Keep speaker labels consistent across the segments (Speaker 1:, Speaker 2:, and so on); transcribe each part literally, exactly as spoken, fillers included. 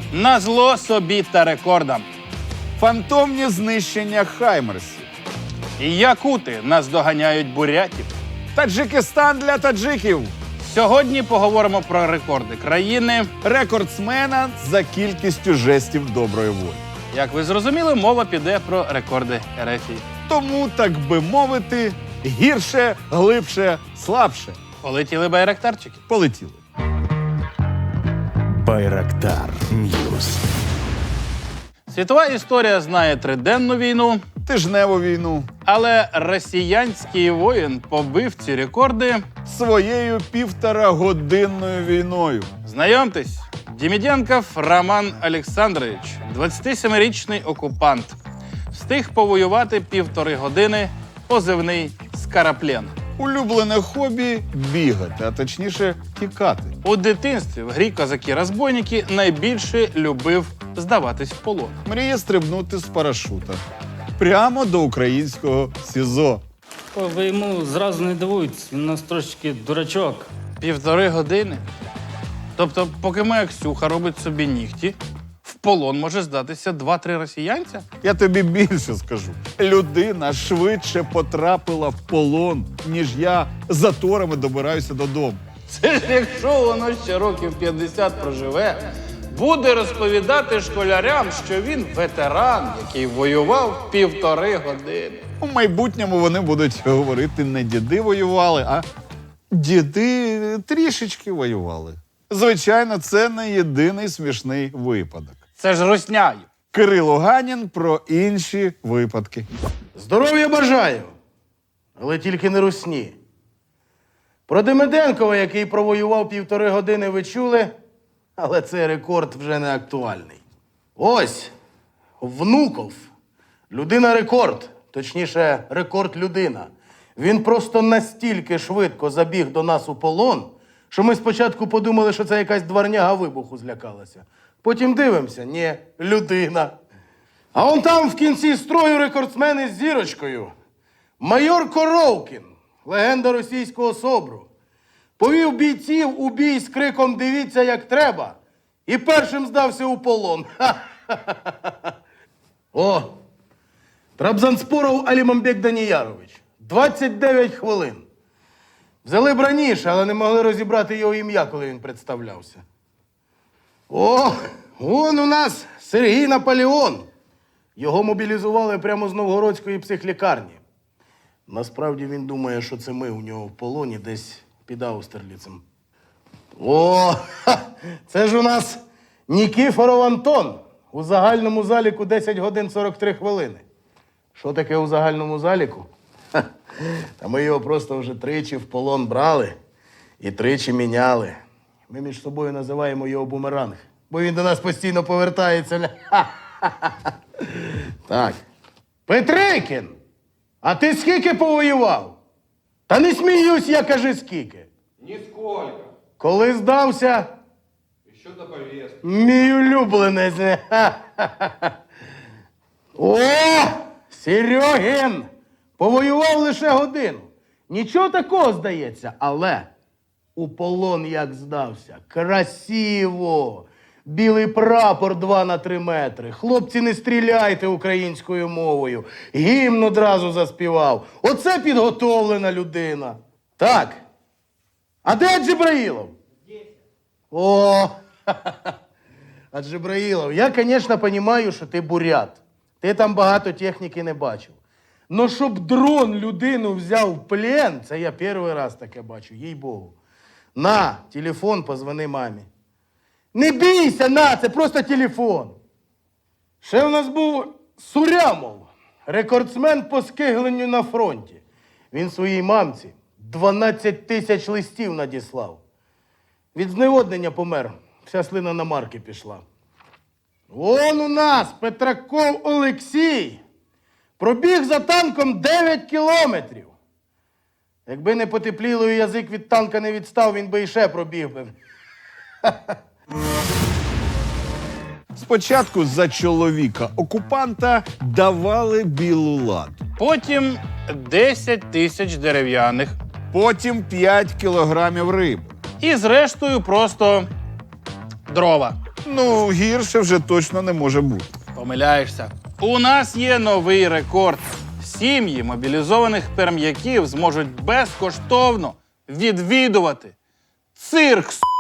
Speaker 1: Назло собі та рекордам.
Speaker 2: Фантомні знищення хаймерсів.
Speaker 1: І якути наздоганяють бурятів.
Speaker 2: Таджикистан для таджиків.
Speaker 1: Сьогодні поговоримо про рекорди країни.
Speaker 2: Рекордсмена за кількістю жестів доброї волі.
Speaker 1: Як ви зрозуміли, мова піде про рекорди Ерефії.
Speaker 2: Тому, так би мовити, гірше, глибше, слабше.
Speaker 1: Полетіли байрактарчики.
Speaker 2: Полетіли.
Speaker 3: Байрактар Ньюс.
Speaker 1: Світова історія знає триденну війну,
Speaker 2: Тижневу війну.
Speaker 1: але росіянський воїн побив ці рекорди.
Speaker 2: Своєю півторагодинною війною.
Speaker 1: Знайомтесь, Деміденков Роман Олександрович, двадцятисемирічний окупант. Встиг повоювати півтори години, позивний «Скараплен».
Speaker 2: Улюблене хобі – бігати, а точніше тікати.
Speaker 1: У дитинстві в грі «Козаки-розбойники» найбільше любив здаватись в полон.
Speaker 2: Мріє стрибнути з парашута. Прямо до українського СІЗО.
Speaker 4: Ой, ви йому зразу не дивуйтесь, він у нас трошечки дурачок.
Speaker 1: Півтори години? Тобто, поки моя Ксюха робить собі нігті, в полон може здатися два-три росіянця?
Speaker 2: Я тобі більше скажу. Людина швидше потрапила в полон, ніж я заторами добираюся додому.
Speaker 1: Це ж якщо воно ще років п'ятдесят проживе, буде розповідати школярям, що він ветеран, який воював півтори години.
Speaker 2: У майбутньому вони будуть говорити, не діди воювали, а діди трішечки воювали. Звичайно, це не єдиний смішний випадок.
Speaker 1: Це ж русняю.
Speaker 2: Кирило Ганін про інші випадки.
Speaker 5: Здоров'я бажаю, але тільки не русні. Про Демиденкова, який провоював півтори години, ви чули, але цей рекорд вже не актуальний. Ось, Внуков. Людина-рекорд, точніше, рекорд-людина. Він просто настільки швидко забіг до нас у полон, що ми спочатку подумали, що це якась дворняга вибуху злякалася. Потім дивимося, ні, людина. А он там в кінці строю рекордсмен із зірочкою. Майор Коровкін, легенда російського СОБРу. Повів бійців у бій з криком «Дивіться, як треба!» і першим здався у полон. Ха-ха-ха-ха. О, Трабзанспоров Алімамбек Даніярович. двадцять дев'ять хвилин. Взяли б раніше, але не могли розібрати його ім'я, коли він представлявся. О, вон у нас Сергій Наполеон. Його мобілізували прямо з Новгородської психлікарні. Насправді він думає, що це ми у нього в полоні десь під Аустерліцем. О, ха, це ж у нас Нікіфоров Антон. У загальному заліку десять годин сорок три хвилини. Що таке у загальному заліку? Ха, та ми його просто вже тричі в полон брали і тричі міняли. Ми між собою називаємо його бумеранг, бо він до нас постійно повертається. Ха-ха-ха. Так. Петрикін, а ти скільки повоював? Та не сміюсь, я кажи скільки.
Speaker 6: Нисколько.
Speaker 5: Коли здався?
Speaker 6: Еще до повестки.
Speaker 5: Мій улюбленець. Ха-ха-ха. О, Серьогін! Повоював лише годину. Нічого такого, здається, але у полон як здався. Красиво! Білий прапор два на три метри. Хлопці, не стріляйте українською мовою. Гімн одразу заспівав. Оце підготовлена людина. Так. А де Джибраїлов? О, а Джибраїлов, я, звісно, розумію, що ти бурят. Ти там багато техніки не бачив. Но щоб дрон людину взяв в плен, це я перший раз таке бачу, їй-богу. На, телефон, позвони мамі. Не бійся, на, це просто телефон. Ще в нас був Сурямов, рекордсмен по скигленню на фронті. Він своїй мамці дванадцять тисяч листів надіслав. Від зневоднення помер, вся слина на марки пішла. Вон у нас Петраков Олексій пробіг за танком дев'ять кілометрів. Якби не потепліло і язик від танка не відстав, він би іще пробіг би.
Speaker 2: Спочатку за чоловіка окупанта давали білу ладу.
Speaker 1: Потім десять тисяч дерев'яних.
Speaker 2: Потім п'ять кілограмів риби.
Speaker 1: І зрештою просто дрова.
Speaker 2: Ну, гірше вже точно не може бути.
Speaker 1: Помиляєшся. У нас є новий рекорд. Сім'ї мобілізованих перм'яків зможуть безкоштовно відвідувати цирк. с***.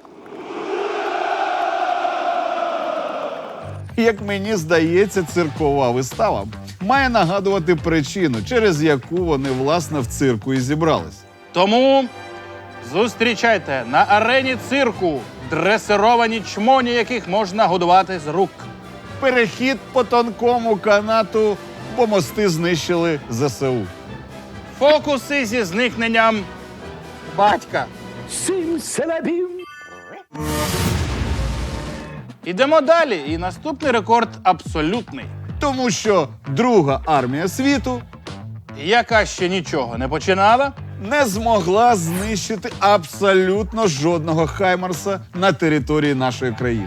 Speaker 2: Як мені здається, циркова вистава має нагадувати причину, через яку вони, власне, в цирку і зібрались.
Speaker 1: Тому зустрічайте на арені цирку дресировані чмоні, яких можна годувати з рук.
Speaker 2: Перехід по тонкому канату, бо мости знищили зе се у.
Speaker 1: Фокуси зі зникненням батька. Ідемо далі. І наступний рекорд абсолютний.
Speaker 2: Тому що Друга армія світу
Speaker 1: Яка ще нічого не починала,
Speaker 2: не змогла знищити абсолютно жодного Хаймарса на території нашої країни.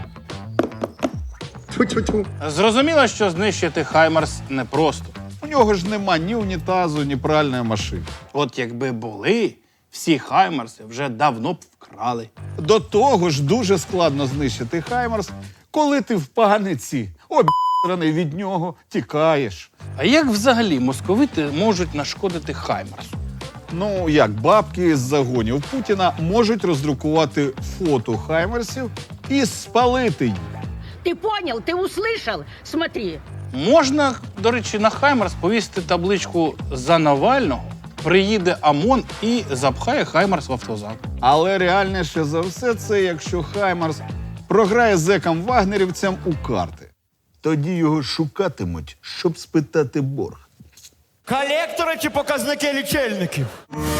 Speaker 1: зрозуміло, що знищити Хаймарс непросто.
Speaker 2: У нього ж нема ні унітазу, ні пральної машини.
Speaker 1: От якби були, всі Хаймарси вже давно б вкрали.
Speaker 2: До того ж дуже складно знищити Хаймарс, коли ти в паниці, об'єднаний від нього, тікаєш.
Speaker 1: А як взагалі московити можуть нашкодити Хаймарсу?
Speaker 2: Ну, як бабки з загонів Путіна можуть роздрукувати фото Хаймарсів і спалити їх.
Speaker 7: Ты понял? Ты услышал? Смотри.
Speaker 1: Можна, до речі, на Хаймарс повісити табличку «За Навального», приїде ОМОН і запхає Хаймарс в автозак.
Speaker 2: Але реальніше за все це, якщо Хаймарс програє зекам-вагнерівцям у карти. Тоді його шукатимуть, щоб спитати борг.
Speaker 3: Колектори чи показники лічильників?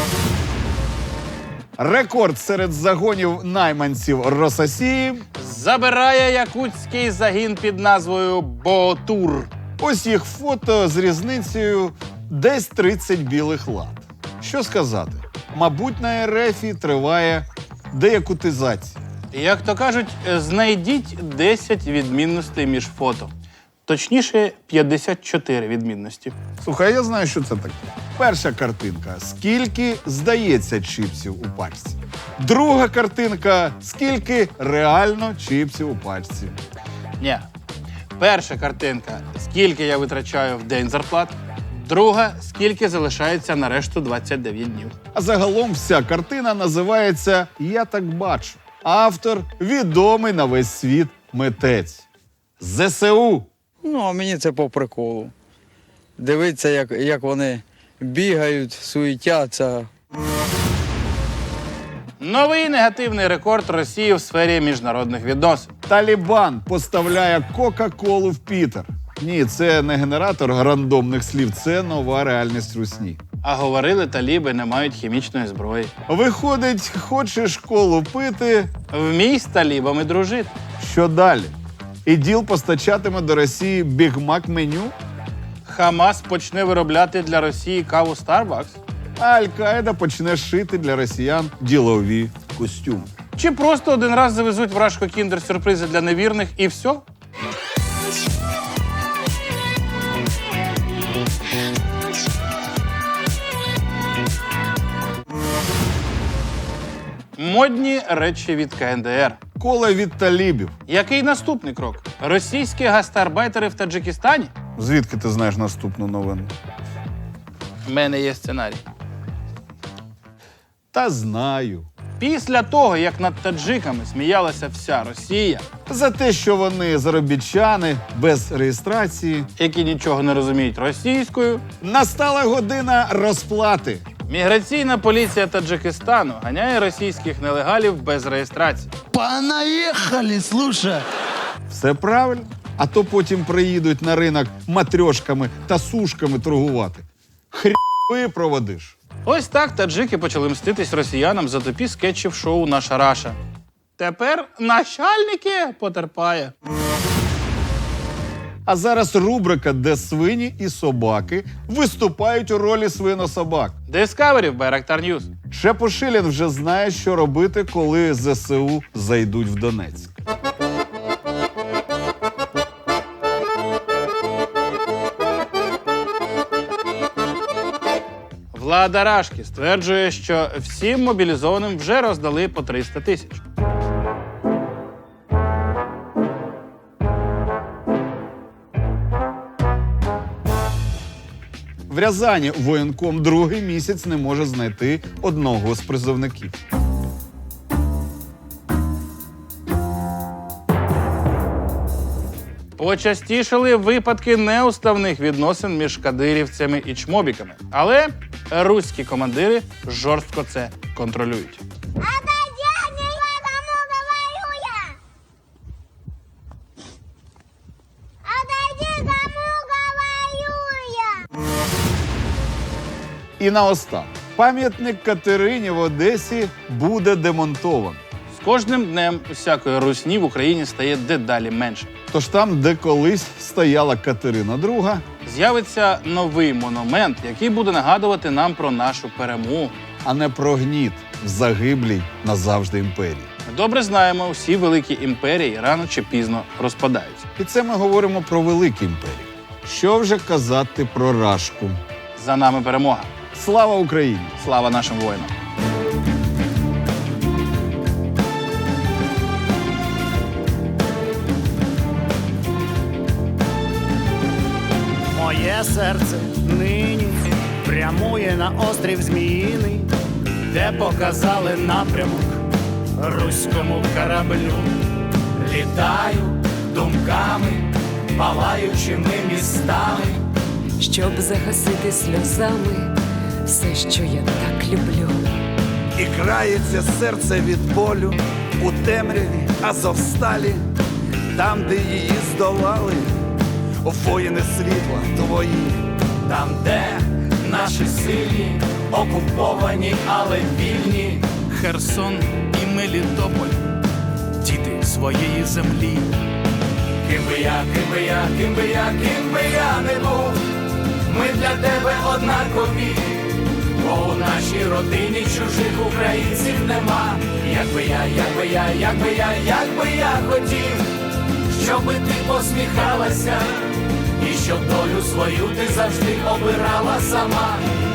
Speaker 2: Рекорд серед загонів найманців Рососії.
Speaker 1: Забирає якутський загін під назвою «Ботур».
Speaker 2: Ось їх фото з різницею десь тридцять білих лат. Що сказати? Мабуть, на РФі триває деякутизація.
Speaker 1: Як то кажуть, знайдіть десять відмінностей між фото. Точніше, п'ятдесят чотири відмінності.
Speaker 2: Слухай, я знаю, що це таке. Перша картинка – скільки здається чіпсів у пачці. Друга картинка – скільки реально чіпсів у пачці.
Speaker 1: Ні. Перша картинка – скільки я витрачаю в день зарплат. Друга – скільки залишається на решту двадцять дев'ять днів.
Speaker 2: А загалом вся картина називається «Я так бачу». Автор – відомий на весь світ митець. зе се у.
Speaker 8: Ну, а мені це по приколу. Дивитися, як, як вони бігають, суетяться.
Speaker 1: Новий негативний рекорд Росії в сфері міжнародних відносин.
Speaker 2: Талібан поставляє Кока-Колу в Пітер. Ні, це не генератор рандомних слів, це нова реальність русні.
Speaker 1: А говорили, таліби не мають хімічної зброї.
Speaker 2: Виходить, хочеш колу пити,
Speaker 1: Вмій з талібами дружити.
Speaker 2: що далі? іділ постачатиме до Росії бігмак меню,
Speaker 1: Хамас почне виробляти для Росії каву Starbucks?
Speaker 2: а Аль-Каїда почне шити для росіян ділові костюми.
Speaker 1: Чи просто один раз завезуть вражко кіндер-сюрпризи для невірних і все? Модні речі від ка ен де ер.
Speaker 2: Кола від талібів.
Speaker 1: Який наступний крок? Російські гастарбайтери в Таджикистані?
Speaker 2: Звідки ти знаєш наступну новину?
Speaker 1: У мене є сценарій.
Speaker 2: Та знаю.
Speaker 1: Після того, як над таджиками сміялася вся Росія,
Speaker 2: За те, що вони заробітчани без реєстрації,
Speaker 1: які нічого не розуміють російською,
Speaker 2: настала година розплати.
Speaker 1: міграційна поліція Таджикистану ганяє російських нелегалів без реєстрації.
Speaker 3: Понаїхали, слушай.
Speaker 2: Все правильно. А то потім приїдуть на ринок матрьошками та сушками торгувати. Хрі проводиш.
Speaker 1: Ось так таджики почали мститись росіянам за тупі скетчів шоу «Наша Раша». Тепер начальники потерпає.
Speaker 2: А зараз рубрика, де свині і собаки виступають у ролі свинособак.
Speaker 1: Discovery в Байрактар Ньюс.
Speaker 2: Шепушилін вже знає, що робити, коли зе се у зайдуть в Донецьк.
Speaker 1: Влада Рашки стверджує, що всім мобілізованим вже роздали по триста тисяч.
Speaker 2: В Рязані воєнком другий місяць не може знайти одного з призовників.
Speaker 1: Почастішали випадки неуставних відносин між кадирівцями і чмобіками. Але руські командири жорстко це контролюють.
Speaker 2: І наостанок. Пам'ятник Катерині в Одесі буде демонтовано.
Speaker 1: З кожним днем усякої русні в Україні стає дедалі менше.
Speaker 2: Тож там, де колись стояла Катерина друга,
Speaker 1: З'явиться новий монумент, який буде нагадувати нам про нашу перемогу.
Speaker 2: а не про гніт в загиблій назавжди імперії.
Speaker 1: Ми добре знаємо, всі великі імперії рано чи пізно розпадаються.
Speaker 2: І це ми говоримо про великі імперії. Що вже казати про Рашку?
Speaker 1: За нами перемога.
Speaker 2: Слава Україні!
Speaker 1: Слава нашим воїнам!
Speaker 3: Моє серце нині прямує на острів Зміїний, де показали напрямок руському кораблю. Літаю думками, палаючими містами.
Speaker 9: щоб загасити сльозами все, що я так люблю.
Speaker 10: І крається серце від болю у темряві Азовсталі, там, де її здолали воїни світла твої.
Speaker 3: Там, де наші сильні, окуповані, але вільні.
Speaker 11: Херсон і Мелітополь, діти своєї землі.
Speaker 3: Ким би я, ким би я, ким би я, ким би я не був, ми для тебе однакові, бо у нашій родині чужих українців нема. Як би я, як би я, як би я, як би я хотів, щоби ти посміхалася, і щоб долю свою ти завжди обирала сама.